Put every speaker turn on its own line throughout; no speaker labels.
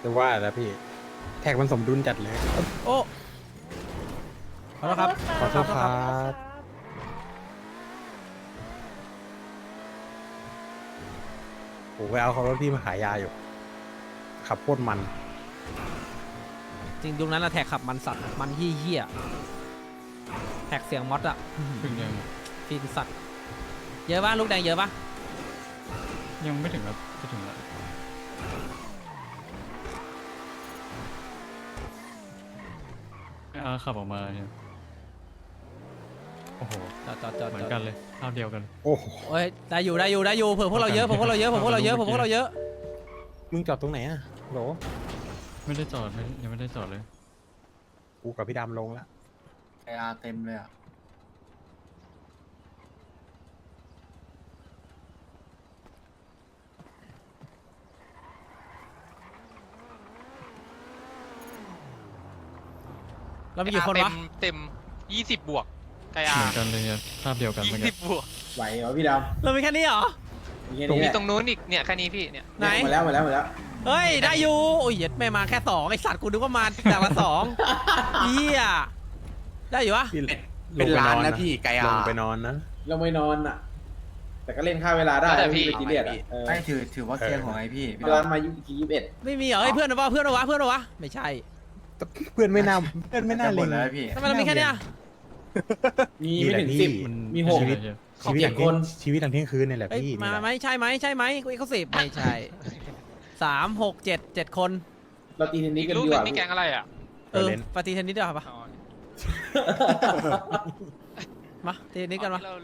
จะว่าแล้วพี่แท็กมันสมดุลจัดเลย
โอ้ขอโทษครับ
ขอโทษครับผมไปเอาเขารถพี่มาขายยาอยู่ ขับโคตรมัน
จริงยุคนั้นอะแท็กขับมันสัตว์มันเหี้ยๆแท็กเสียงมอสอะ
ถึงยัง
ฟินสัตว์เยอะปะลูกแดงเยอะปะ
ยังไม่ถึงครับจะถึงแล้วขับออกมาเนี่ยโอ้โห
จอด
เหมือนกันเลยภาพเดียวกัน
โอ้โห
เฮ้ยได้อยู่เผื่อพวกเราเยอะเผื่อพวกเราเยอะเผื่อพวกเราเยอะเผื่อพวกเราเยอะ
มึงจอดตรงไหนอะโหล
ไม่ได้จอดเลยยังไม่ได้จอดเลย
กูกับพี่ดำลงแล้ว
ไออาร์เต็มเลยอ่ะ
เรามีกี่คนวะ
เต็ม20 บวกไก
เห
อา
มือนกันเลยเนี่ยภาพเดียวกันเหมือนกัน
20 บวก
ไหวเหรอพี่ด
เรามีแค่นี้เหรอ
ำมีแค่
มี
นี้แหละ
ตรงนู้นอีกเนี่ยแค่นี้พี่เนี่ย
ไหน
หมดแล้วหมดแล้วหมดแล้ว
เฮ้ยได้อยู่โอ้ยเหี้ย็ดไม่มาแค่สองไอสัตว์กูนึกว่ามาจากละสองเหี้ยได้อยู่วะ
พี่
เป็นล้านนะพี่ไกอา
ลงไปนอนนะ
เราไม่นอนอ่ะ แต่ก็เล่นค่าเวลาได้ไม่ไปกินเลียดอ่ะ
ไม่ถือว่าเคลียร์ของไอพี่
ร้านมา21
ไม่มีเหรอเฮ้ยเพื่อนวะเพื่อนวะเพื่อนวะไม่ใช่
เพื่อนไม่น่าเพื่อนไม่น่า
หม
เล็
ด
ง
แล้วพี่
ทำไมเรามีแค่เนี้ย
มีไม่ถึง
นี่แหละพี่
10
มัน
มีหก
ชีวิตเนี่ย
ชีวิตอย่าง
7 คน
ชีวิตหลังเที่ยงคืนนี่แหละ
เอ้ย
พี่
มา
นี่แหละ
ไหมใช่ไหมใช่ไหมกูเขาสิบไม่ใช่3 6 7 7 คน
เราตีเทนนิ
อี
ส
ก
กัน
ลูก
ดี
ห
ก
นึ่
ว่าง
นี่แกงอะไรอ่ะ
ปฏิเทนนิสเดียวาปะ
อ๋อ
มาตีเทนนิสกันมา
เรา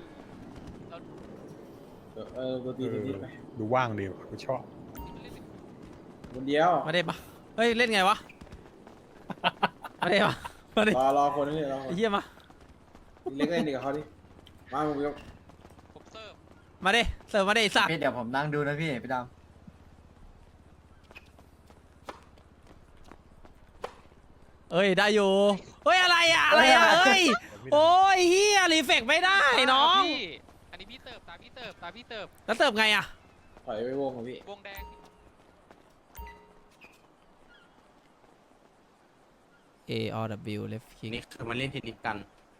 เราตีเทนนิสไป
ดูว่างดีว่ะกูชอบ
คนเดียว
มาเด็ปะเฮ้ยเล่นไงวะมาเด็ปะมาเด็
รอคนนึงรอ
ไอ้เหี้ยมา
เล็กเล่นดีกับเขาดิมามึงยก
ผมเสิร์ฟ
มาเด็เสิร์ฟมาเด็ไอ้สัตว์
พี่เดี๋ยวผมนั่งดูนะพี่พี่ด
เอ้ยได้อยู่เฮ้ยอะไรอะอะไรอะเฮ้ยโอ้ยเฮียรีเฟกไม่ได้น้อง
พี่อันนี้พี่เติบตาพี่เติบตาพี่เติบ
แล้วเสิร์ฟไงอะ
ถอยไปวงของพี่
วงแดง
A O W left kick
นี่คือมันเล่นเทนนิสกัน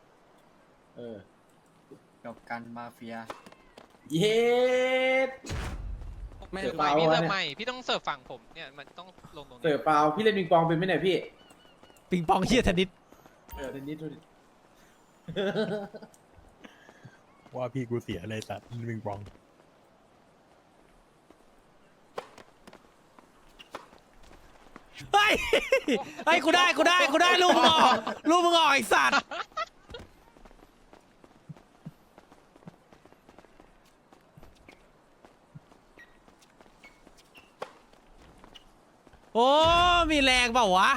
ำ
จบกันมาเฟีย
เย็ด
ไม่
เสิร์ฟ
ไม่
เปล่า
พี่เสิร์ฟ
วะเนี่ย
ใหม่พี่ต้องเสิร์ฟฝั่งผมเนี่ยมันต้องลงตรงนี้
เสิร์ฟเปล่าพี่เล่นปิงปองเป็นไหมเนี่ยพี่
ปิงปองเฮียเทนนิส
เทนนิสดูดิ
ว่าพี่กูเสียเลยสัตว์วิงปอง
เฮ้ยเฮ้ยกูได้ลูกมึงออกไอ้สัตว์โอ้มีแรงเปล่าวะ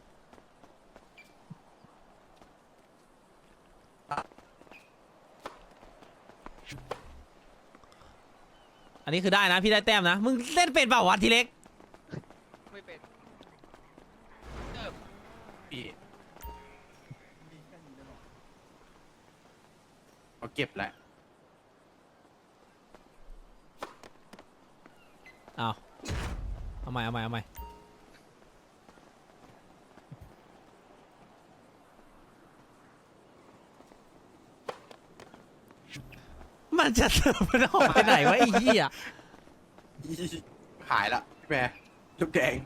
อันนี้คือได้นะพี่ได้แต้มนะมึงเล่นเป็นเปล่าวะทีเล็ก
ไม่เป็นเสิร์ฟ
พี่เขาเก็บแล้ว
เอาใหม่มันจะเสิร์ฟมันออกไปไหนวะไอ้เหี้ย
หายละพี่แม่ลูกแดง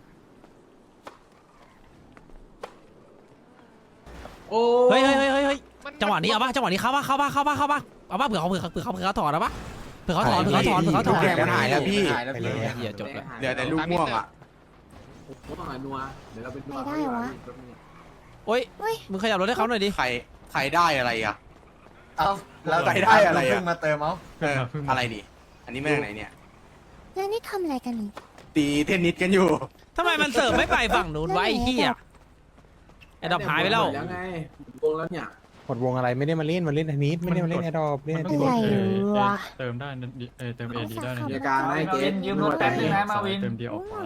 โอ้
เฮ้ย
มัน
จังหวะนี้เอาปะจังหวะนี้เข้าปะเอาปะเผื่อเขาถอนเอาปะเผื่อเขาถอน
ลูกแดงมันหายแล้วพี่
หายแล้วพี่
เหี้ยจบแล้ว
เหลือแต่ลูกม่วงอ่ะ
ผมต้องหานัวเดี๋ยวเราเป็นนัว
ไม่ได้วะ
โอ้ยมึงขยับรถให้เขาหน่อยดิ
ใครได้อะไรอ่ะ
เอ้าแล้ว
ใครได้อะไรอะ
เพิ่งมาเติมเอา
อะไรดิอันนี้แม่งไหนเนี่ย
แล้วนี่ทำอะไรกันนี่
ตีเทนนิสกันอยู่
ทำไมมันเสิร์ฟไม่ไปฝั่งนู้นไวะไอ้เหี้ยไอ้ดอกหายไปแล้ว
แล้วไงวงแล้วเนี่ย
หมดวงอะไรไม่ได้มาเล่นเทนนิสไม่ได้มาเล่นแอร์ดรอปเล่น
มัน
เท
ต้อน ง
นิ
ก
ส
ด
วะ
เติมได้นะเติมเอดีได้นะ
มีอาการนะไอ้เกส
ยืมรถแป๊บนึงนะมาวิน
เติมเดียวออกขวา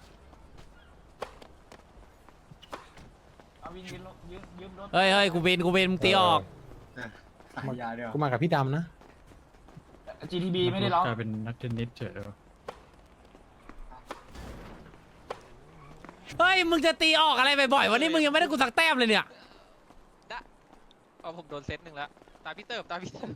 มาวินยืมรถ
เฮ้ยกูเวนมึงตีออก
ขายยาเดียว
กูมากับพี่ดำนะ
GTB ไม่ได้ร้อง
กลายเป็นนักเทนนิสเฉยเลย
เฮ้ยมึงจะตีออกอะไรบ่อยๆวันนี้มึงยังไม่ได้กูสักแต้มเลยเนี่ย
เอาผมโดนเซตหนึ่งแล้วตาพี่เติบตาพี่เติบ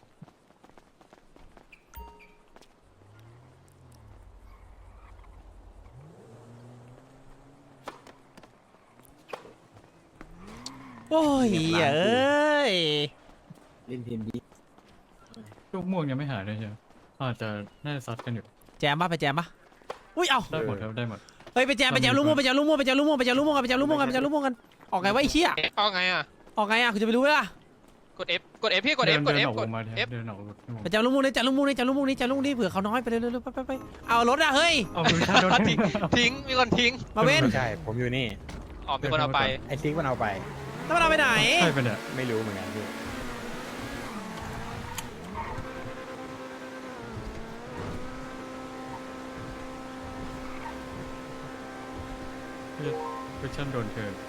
โอ้ยเอ้ย
เล่นทีมดี
ลูกม่วงยังไม่หายเลยใช่ไหมอาจจะน่าจะซัดกันอยู่
แจมปะไปแจมปะอุ้ยเอา
ได้หมดครับได้หมด
เฮ้ยไปแจมลูกม่วงไปแจมลูกม่วงไปแจมลูกม่วงไปแจมลูกม่วงกันไปแจมลูกม่วงกันไปแจมลูกม่วงกันออกไงวะไอ้เหี้ย
เอาไงอ่ะ
ออกไงอ่ะคุณจะไปรู้ไหมล่ะ
กด F กด F พี่กด F กด
เดิน
F
ออก
ก
ว
ด
งมา
F
เดินออกวง
ไปแจมลูกม่วงนี่แจมลูกม่วงนี่แจมลูกม่วงนี่แจมลูกม่วงนี่เผื่อเขาน้อยไปเร็วๆไปเอารถอะเฮ้ย
เอาคือถ้าโดน
ทิ้งทิ้งมีคนทิ้ง
มาเว้น
ไม่ใช่ผมอยู่นี่
อ๋อมีคนเอาไป
ไอ้ซิกมันเอาไป
แล้วมันเอาไปไหน
ใช่ไปะเนี่ย
ไม่รู้เหมือนกันพี่
คุชชั่นโดนเกิน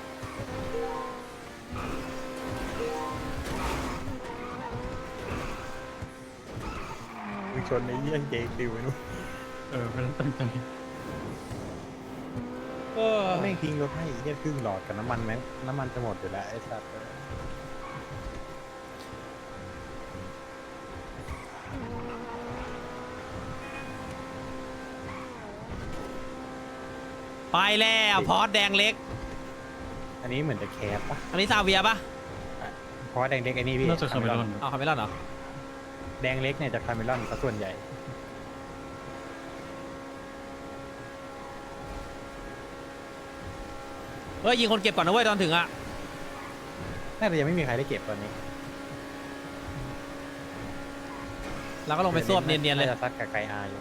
มึงชนในเยี่ยงเจติวไอ้นู่น
ไม่ต้องตั้งใจ
แม่งทิ้งรถให้เยี่ยครึ่งหลอดกับน้ำมันแม่งน้ำมันจะหมดอยู่แล้วไอ้สัตว์
ไปแล้วพอร์ตแดงเล็ก
อันนี้เหมือนจะแคสปะ
อันนี้ซาเวียปะ
เพราะว่าแดงเล็กไอ้นี่พี่
น่าจะคาเมรอน
เอาคาเมลอนเหรอ
แดงเล็กเนี่ยจะคาเมลอนซะส่วนใหญ่
เฮ้ยยิงคนเก็บก่อนนะเว้ยตอนถึงอะ
น่าจะยังไม่มีใครได้เก็บตอนนี้
เราก็ลงไปซวบเนียนๆเลย
าจะซัดกับไกอาอยู่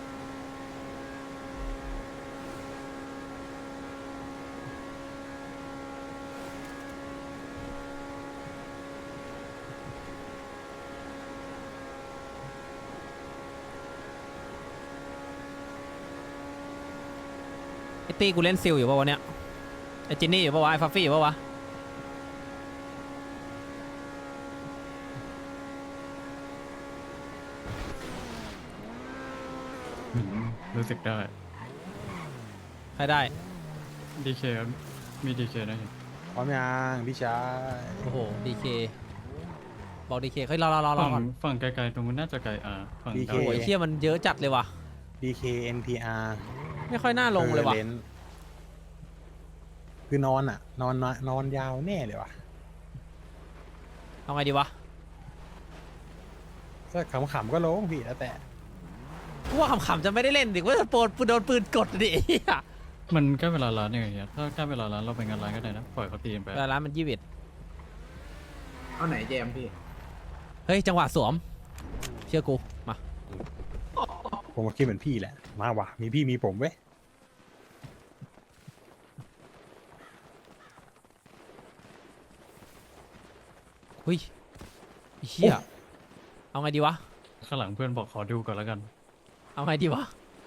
ไอตีกูเล่นซิลอยู่ป่าวะเนี่ยไอจินนี่อยู่ป่าวะไอฟัฟฟี่อยู่ป่าวะ
รู้สึกได้
ใครได้
ดีเคมีดีเคนะเห็น
พร้อมยังพี่ชาย
โอ้โหดีเคบอกดีเคเฮ้ยรอก่อน
ฝั่งไกลๆตรงนู้นน่าจะไกลฝั่ง
โอ้ยเฮียมันเยอะจัดเลยว่ะ
DK NPR
ไม่ค่อยน่าลงเลยว่ะ
คือนอนอ่ะ นอนยาวแน่เลยว่ะ
เอาไงดีวะ
ถ้าขำๆก็ลงพี่แล้วแต่
กูว่าขำๆจะไม่ได้เล่นดิว่าจะโดนปืนกดดิไอ้เหี้ย
มันใกล้เวลาร้านยังไงเนี่ยถ้าใกล้เวลาร้านเราไปงานร้านก็ได้นะปล่อยเขาตีกันไป
แต่ร้านมัน21
เอาไหนแจมพี่
เฮ้ยจังหวะสวม เชื่อกูมา
ผมก็คิดเหมือนพี่แหละ มาว่ะ มีพี่มีผมเว้ย
เฮ้ยไอ้เฮียเอาไงดีวะ
ข้างหลังเพื่อนบอกขอดูก่อนแล้วกัน
เอาไงดีวะ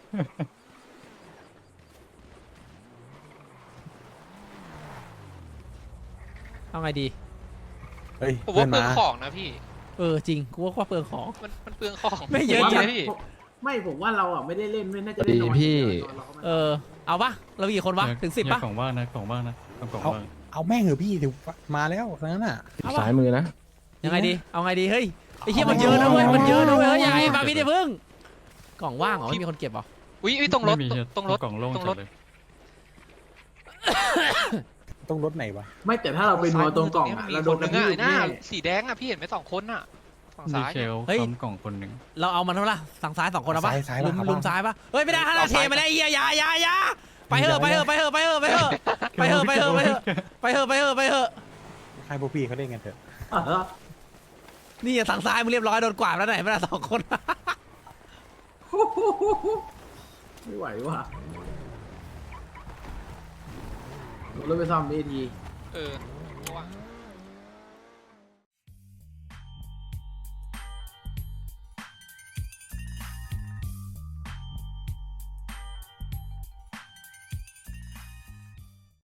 เอาไงดี
เฮ้ย
ผม
เพื่อ
ว่าน เปลือง
มา
ของนะพี่
จริงกูว่าเปลืองของ
มันเปลืองของ
ไม่เยอะ
จ
จริ
ริ
ง
งพี่
ไม่ผมว่าเราอ่ะไม่ได้เล่นไม่น่าจะเล่นนอน
พี่
ตอนเราเข้ามา
เอาปะเรากี่คนวะถึง10ปะ
กล่องว่างนะกล่องว่างนะเอากล่องว่าง
เอาแม่งเหอะพี่ถึงมาแล้วนั้นน่ะ
เอาปะ
ซ้ายมือนะ
ยังไงดี เอาไงดี เฮ้ย ไอ้เหี้ยมันเยอะนะเว้ย มันเยอะนะเว้ย เฮ้ยอย่าไอ้บาร์บี้เดี๋ยวพึ่ง กล่องว่างเหรอไม่มีคนเก็บเหรอ
อุ้ยตรงรถ
ไม่มีเหี้ย
ตรงรถ
กล่องโล่ง
ตรง
จั
ร
ด
ถ
เลย
ต้องรถไหนวะ
ไม่แต่ถ้าเราไปนัวตรงกล่องอ่ะ
มี
เรา
ค
โดน
น
ก
นึ
ระ
ง
ทื
อ่ะ
บ
หน้า
แน่
สีแดงอ่ะพี่เห็นไหม2 คนอ่ะฝั่ง
ดี
ซ้าย
เค
เนี่ย
ล
เฮ้ย
ค้ำกล่องคนหนึ่ง
เราเอามันเท่าไหร่สั่งซ้าย2 คนเอาปะ
ซ้ายปะครับ
ลุมซ้ายปะเฮ้ยไม่ได้ฮาราเทมาแล้วไอ้เหี้ยอย่าไปเถอะไปเถอะไปเถอะไปเถอะไปเถอะไปเถอะไปเถอะไปเถอะไปเถอะไปเถอะไปเถอะ
ให้พวกพี่เขาเล่นกันเถอะ
นี่สั่งซ้ายมึงเรียบร้อยโดนกวาดแล้วไหนไม่ได้2 คน
ไม่ไหวว่ะรถไปซ่อมดีที
เออ